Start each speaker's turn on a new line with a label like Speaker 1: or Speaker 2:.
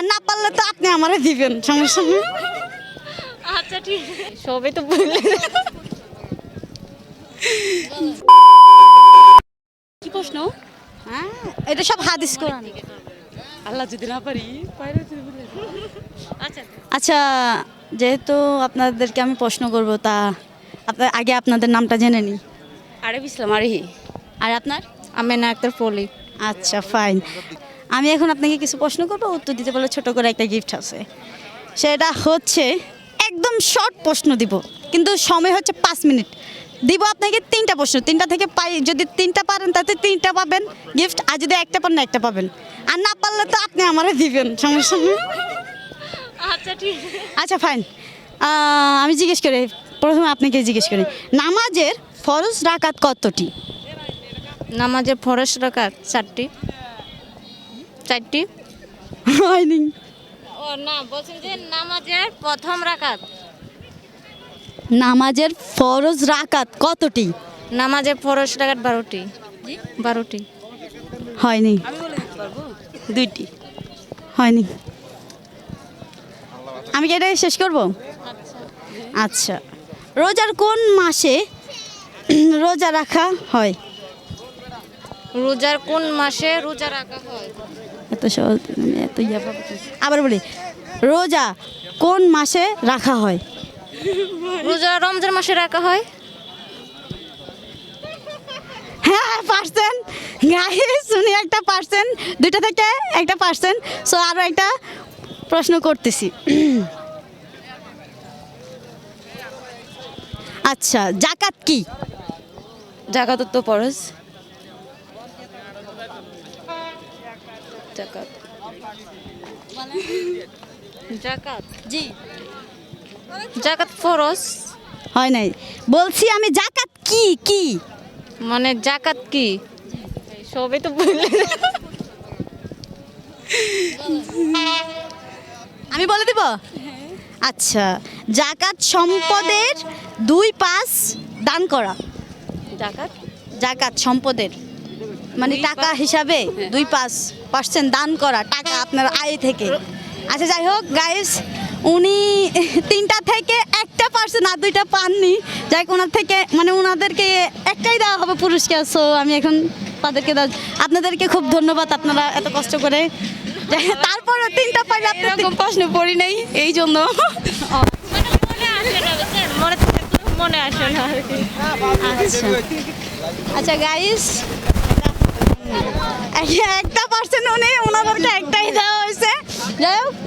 Speaker 1: আর না পারলে তো আপনি আমারে দিবেন, সমস্যা নেই।
Speaker 2: আচ্ছা ঠিক সবই তো বললে। কি প্রশ্ন?
Speaker 1: হ্যাঁ, এটা সব হাদিস কোরআন।
Speaker 2: আল্লাহ যদি না পারি আচ্ছা
Speaker 1: আচ্ছা, যেহেতু আপনাদেরকে আমি প্রশ্ন করব, তা আগে আপনাদের নামটা জেনে নিই।
Speaker 2: আরেফ ইসলাম আরেহি।
Speaker 1: আর আপনার?
Speaker 2: আমেনা আক্তার পলি।
Speaker 1: আচ্ছা, ফাইন। আমি এখন আপনাকে কিছু প্রশ্ন করবো, উত্তর দিতে পারলে ছোট করে একটা গিফট আছে। সেটা হচ্ছে একদম শর্ট প্রশ্ন দিব, কিন্তু সময় হচ্ছে 5 মিনিট। দিব আপনাকে 3টা প্রশ্ন, 3টা থেকে যদি 3টা পারেন তাতে 3টা পাবেন গিফট, আর যদি একটা পারেন একটা পাবেন, আর না পারলে তো আপনি আমারে দিবেন, সমস্যা নেই।
Speaker 2: আচ্ছা ঠিক
Speaker 1: আচ্ছা, ফাইন। আমি জিজ্ঞেস করি, প্রথমে আপনাকে জিজ্ঞেস করি, নামাজের ফরজ রাকাত কতটি?
Speaker 2: নামাজের ফরজ রাকাত 4টি।
Speaker 1: হয়নি।
Speaker 2: ও না, বলছেন যে নামাজের প্রথম রাকাত।
Speaker 1: নামাজের ফরজ রাকাত কতটি?
Speaker 2: নামাজের ফরজ রাকাত 12টি। 12টি।
Speaker 1: হয়নি।
Speaker 2: 2টি।
Speaker 1: হয়নি। আমি কি এটা শেষ করব? আচ্ছা, রোজার কোন মাসে রোজা রাখা হয়?
Speaker 2: রোজার কোন মাসে রোজা রাখা হয়?
Speaker 1: এত সহজ, এত আবার বলি, রোজা কোন মাসে রাখা হয়?
Speaker 2: রোজা রমজান মাসে রাখা হয়।
Speaker 1: হ্যাঁ, পারছেন গাইস, উনি একটা পারছেন, 2টা থেকে একটা পারছেন। সো আরও একটা প্রশ্ন করতেছি। আচ্ছা, জাকাত কি?
Speaker 2: জাকাত তো ফরজ। জাকাত জাকাত
Speaker 1: জি।
Speaker 2: জাকাত ফরজ।
Speaker 1: হয় নাই, বলছি আমি জাকাত কি কি?
Speaker 2: মানে জাকাত কি? সবই তো বললে।
Speaker 1: আমি বলে দিব। আচ্ছা, জাকাত সম্পদের 2/5 দান করা।
Speaker 2: জাকাত
Speaker 1: জাকাত সম্পদের মানে টাকা হিসাবে 2/5% দান করা, টাকা আপনার আয় থেকে। আচ্ছা, যাই হোক গাইস, উনি 3টা থেকে একটা পারছেন, আর 2টা পাননি। যাই হোক, ওনার থেকে মানে ওনাদেরকে একটাই দেওয়া হবে পুরস্কার। সো আমি এখন তাদেরকে আপনাদেরকে খুব ধন্যবাদ, আপনারা এত কষ্ট করে। তারপরে 3টা পাইলে আপনার
Speaker 2: প্রশ্ন পড়ি নাই এই জন্য মনে আসে না আর কি।
Speaker 1: আচ্ছা আচ্ছা গাইস, একটা পারছেন উনি, ওনাদেরকে একটাই দেওয়া হয়েছে। যাই হোক,